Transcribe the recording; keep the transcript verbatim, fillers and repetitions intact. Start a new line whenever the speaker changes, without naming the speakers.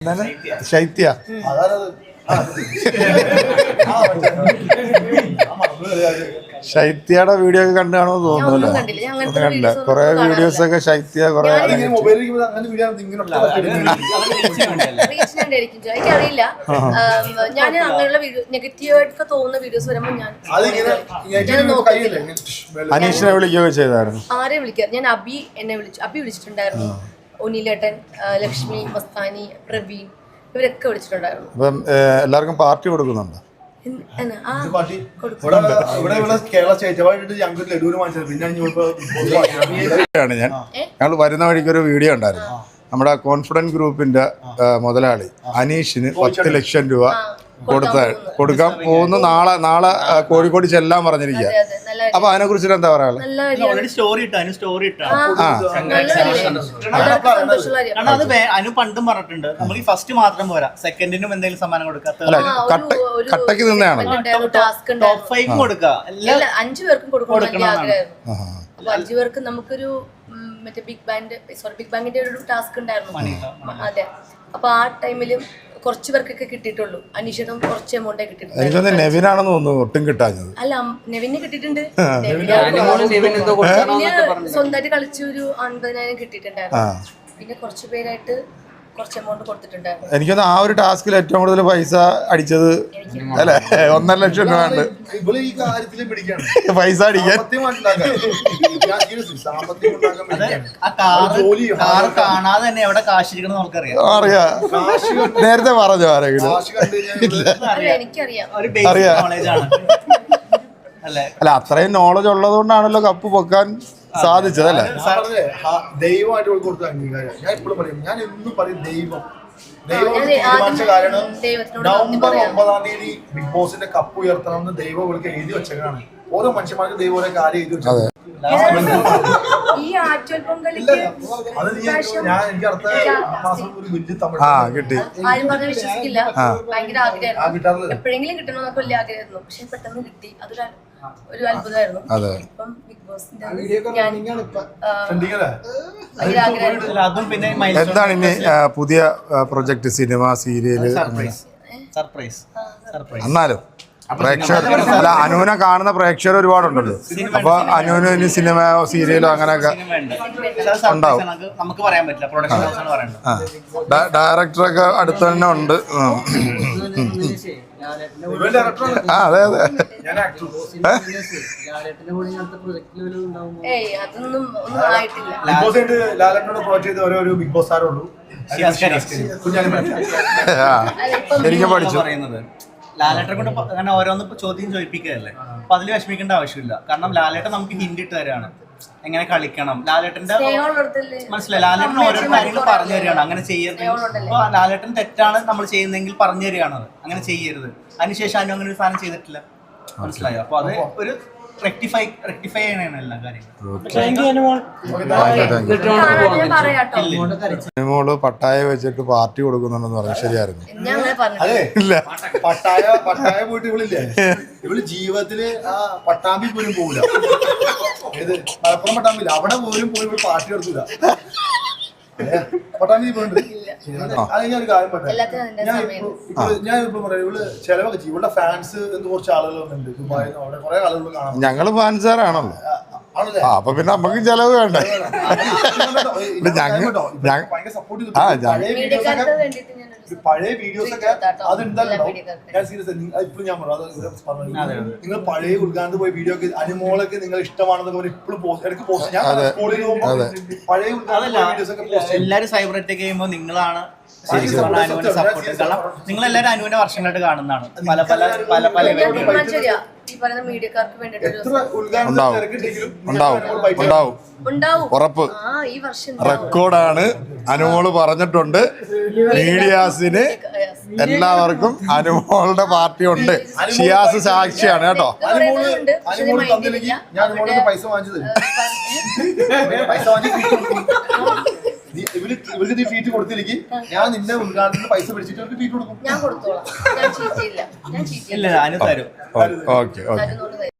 ശൈത്യ ശൈത്യയുടെ വീഡിയോ ഒക്കെ കണ്ടാണോ തോന്നുന്നല്ലോ. കണ്ടില്ല കുറെ വീഡിയോസ് ഒക്കെ ശൈത്യ കുറെ
എനിക്കറിയില്ല. ഞാൻ അങ്ങനെയുള്ള നെഗറ്റീവായിട്ട് തോന്നുന്ന വീഡിയോസ് വരുമ്പോൾ ഞാൻ
അനീഷിനെ വിളിക്കുകയൊക്കെ ചെയ്തായിരുന്നു.
ആരെ വിളിക്കാം? ഞാൻ അബി എന്നെ വിളിച്ചു, അബി വിളിച്ചിട്ടുണ്ടായിരുന്നു. ഒനിലേട്ടൻ, ലക്ഷ്മി, മസ്താനി, പ്രവീൺ ഇവരൊക്കെ വിളിച്ചിട്ടുണ്ടായിരുന്നു.
അപ്പം എല്ലാവർക്കും പാർട്ടി കൊടുക്കുന്നുണ്ട്. ഞാൻ ഞങ്ങൾ വരുന്ന വഴിക്ക് ഒരു വീഡിയോ ഉണ്ടായിരുന്നു. നമ്മുടെ കോൺഫിഡൻറ്റ് ഗ്രൂപ്പിന്റെ മുതലാളി അനീഷിന് പത്ത് ലക്ഷം രൂപ കൊടുത്ത കൊടുക്കാൻ പോകുന്നു. നാളെ നാളെ കോഴിക്കോട് ചെല്ലാൻ പറഞ്ഞിരിക്കുക. അപ്പൊ അതിനെ കുറിച്ചിട്ട് എന്താ പറയാ?
അനു പണ്ടും പറഞ്ഞിട്ടുണ്ട് നമ്മൾ ഈ ഫസ്റ്റ് മാത്രം പോരാ, സെക്കൻഡിനും എന്തെങ്കിലും സമ്മാനം കൊടുക്കാം.
കട്ടക്ക് നിന്നാണ്
ടോപ്പ് ഫൈവ് കൊടുക്കുക.
അഞ്ചു പേർക്കും കൊടുക്കണം ആഗ്രഹമായിരുന്നു. അപ്പൊ അഞ്ചു പേർക്ക് നമുക്കൊരു മറ്റേ ബിഗ് ബാൻഡ് സോറി ബിഗ് ബാങ്കിന്റെ ഒരു ടാസ്ക് ഉണ്ടായിരുന്നു. അതെ, അപ്പൊ ആ ടൈമിലും കുറച്ച് പേർക്കൊക്കെ കിട്ടിയിട്ടുള്ളൂ. അനീഷിനും കുറച്ച് എമൗണ്ടേ കിട്ടിയിട്ടുണ്ട്.
എനിക്കൊന്ന് നെവിനാണെന്ന് തോന്നുന്നു ഒട്ടും കിട്ടാഞ്ഞത്.
അല്ല, നെവിന് കിട്ടിയിട്ടുണ്ട്. സ്വന്തമായിട്ട് കളിച്ച് ഒരു അൻപതിനായിരം കിട്ടിയിട്ടുണ്ടായിരുന്നു. പിന്നെ കുറച്ച് പേരായിട്ട് കുറച്ച് എമൗണ്ട് കൊടുത്തിട്ടുണ്ടായിരുന്നു.
എനിക്കൊന്ന് ആ ഒരു ടാസ്കിൽ ഏറ്റവും കൂടുതൽ പൈസ അടിച്ചത് അല്ലെ ഒന്നര ലക്ഷം രൂപ ഉണ്ട് പൈസ അടിക്കാൻ. അറിയാം, നേരത്തെ പറഞ്ഞോ ആരെങ്കിലും? അല്ല, അത്രയും നോളജ് ഉള്ളത് കൊണ്ടാണല്ലോ കപ്പ് പൊക്കാൻ സാധിച്ചതല്ലേ?
ദൈവമായിട്ട് കൊടുത്ത അംഗീകാരം ഞാൻ എപ്പോഴും പറയും. ഞാൻ എന്നും പറയും ദൈവം ദൈവം തീരുമാനിച്ച കാരണം നവംബർ ഒമ്പതാം തീയതി ബിഗ് ബോസിന്റെ കപ്പ് ഉയർത്തണമെന്ന് ദൈവം ഇവർക്ക് എഴുതി വെച്ചതാണ്. ഓരോ മനുഷ്യന്മാർക്ക് ദൈവം ഓരോ കാര്യം എഴുതി വെച്ചത്. അത് ഞാൻ എനിക്ക് അടുത്ത മാസം ഒരു വലിയ തമിഴ്
കിട്ടി.
എപ്പോഴെങ്കിലും കിട്ടണമെന്നൊക്കെ വലിയ ആഗ്രഹമായിരുന്നു. പക്ഷെ പെട്ടെന്ന് കിട്ടി. അതൊരു ഒരു അത്ഭുതമായിരുന്നു. ഇപ്പം ബിഗ് ബോസിന്റെ
എന്താണ് ഇനി പുതിയ പ്രൊജക്ട്? Cinema, serial? എന്നാലും പ്രേക്ഷകർ അല്ല, അനുവിനെ കാണുന്ന പ്രേക്ഷകർ ഒരുപാടുണ്ടല്ലോ. അപ്പൊ അനുവിന് ഇനി സിനിമ, സീരിയലോ അങ്ങനെയൊക്കെ ഉണ്ടാവും. ഡയറക്ടറൊക്കെ അടുത്ത് തന്നെ ഉണ്ട്. ആ അതെ അതെ.
ബിഗ് ബോസ് ആരുള്ളൂ
എനിക്ക് പഠിച്ചു.
ലാലേട്ടനെ കൊണ്ട് അങ്ങനെ ഓരോന്ന് ചോദ്യം ചോദിപ്പിക്കുകയല്ലേ. അപ്പൊ അതിൽ വിഷമിക്കേണ്ട ആവശ്യമില്ല. കാരണം ലാലേട്ടൻ നമുക്ക് ഹിന്റ് ഇട്ട് തരാണ് എങ്ങനെ കളിക്കണം. ലാലേട്ടന്റെ മനസ്സിലായി, ലാലേട്ടൻ ഓരോ കാര്യങ്ങൾ പറഞ്ഞു തരികയാണ് അങ്ങനെ ചെയ്യരുത്. അപ്പൊ ലാലേട്ടൻ തെറ്റാണ് നമ്മൾ ചെയ്യുന്നതെങ്കിൽ പറഞ്ഞു തരികയാണ് അങ്ങനെ ചെയ്യരുത്. അതിനുശേഷം അനു അങ്ങനെ ഒരു സാധനം ചെയ്തിട്ടില്ല. മനസ്സിലായോ? അപ്പൊ അത് ഒരു റെക്ടിഫൈ റെക്ടിഫൈ ചെയ്യണ എല്ലാ
കാര്യങ്ങളും. പട്ടായ വെച്ചിട്ട് പാർട്ടി കൊടുക്കുന്നുണ്ടെന്ന് പറഞ്ഞു. ശരിയായിരുന്നു?
ഇല്ല, പട്ടായ പട്ടായ പോയിട്ട് ഇവളില്ലേ, ഇവള് ജീവിതത്തില് ആ പട്ടാമ്പി പോലും പോകില്ല. ഏത് മലപ്പുറം പട്ടാമ്പില്ല, അവിടെ പോലും പോയി ഇവിടെ പാർട്ടി കൊടുക്കില്ല. പട്ടാമ്പി പോയിട്ടുണ്ട്. അത് ഞാൻ ഒരു കാര്യം പറയാം. ഞാൻ ഇപ്പൊ പറയാം, ഇവള് ചെലവൊക്കെ ചെയ്യും. ഇവളുടെ ഫാൻസ് എന്ന് കുറച്ച് ആളുകൾ വന്നിട്ടുണ്ട് ദുബായിൽ. അവിടെ കുറെ ആളുകൾ കാണാം.
ഞങ്ങള് ഫാൻസാറാണല്ലോ. അപ്പൊ പിന്നെ നമുക്ക് ചെലവ് വേണ്ട.
ഭയങ്കര സപ്പോർട്ട് ചെയ്തു. പഴയ വീഡിയോസ് ഒക്കെ അതുണ്ടല്ലോ. ഞാൻ സീരിയസ് ഇപ്പോഴും ഞാൻ പറഞ്ഞു, നിങ്ങൾ പഴയ ഉദ്ഘാടനത്തിൽ പോയി വീഡിയോ ഒക്കെ അനുമോളൊക്കെ നിങ്ങൾ ഇഷ്ടമാണെന്നൊക്കെ പറഞ്ഞ് ഇപ്പോഴും ഇടയ്ക്ക് പോസ്റ്റ്. ഞാൻ സ്കൂളിൽ പോകുമ്പോൾ പഴയ ഉദ്ഘാടന വീഡിയോസ് ഒക്കെ പോസ്റ്റ്.
എല്ലാവരും സൈബർ അറ്റാക്ക് ചെയ്യുമ്പോൾ നിങ്ങളാണ് അനുവിനെ സപ്പോർട്ട്. കാരണം നിങ്ങൾ എല്ലാവരും അനുവിനെ വർഷങ്ങളായിട്ട് കാണുന്നതാണ്. പല പല പല പല
ഉറപ്പ്. റെക്കോർഡാണ്. അനുമോള് പറഞ്ഞിട്ടുണ്ട് മീഡിയാസിന് എല്ലാവർക്കും അനുമോളുടെ പാർട്ടി ഉണ്ട്. ഷിയാസ് സാക്ഷിയാണ് കേട്ടോ.
പൈസ വാങ്ങിച്ചത് പൈസ വാങ്ങി ഇവർക്ക് നീ ഫീറ്റ് കൊടുത്തില്ലെങ്കിൽ ഞാൻ നിന്റെ ഉദ്ഘാടനത്തിന് പൈസ പിടിച്ചിട്ട് അവർക്ക് ഫീറ്റ് കൊടുക്കും.
ഞാൻ കൊടുത്തോളാം. ഞാൻ ചീറ്റില്ല. ഞാൻ ചീറ്റില്ല.
ഇല്ല, അനു തരും.
Okay okay.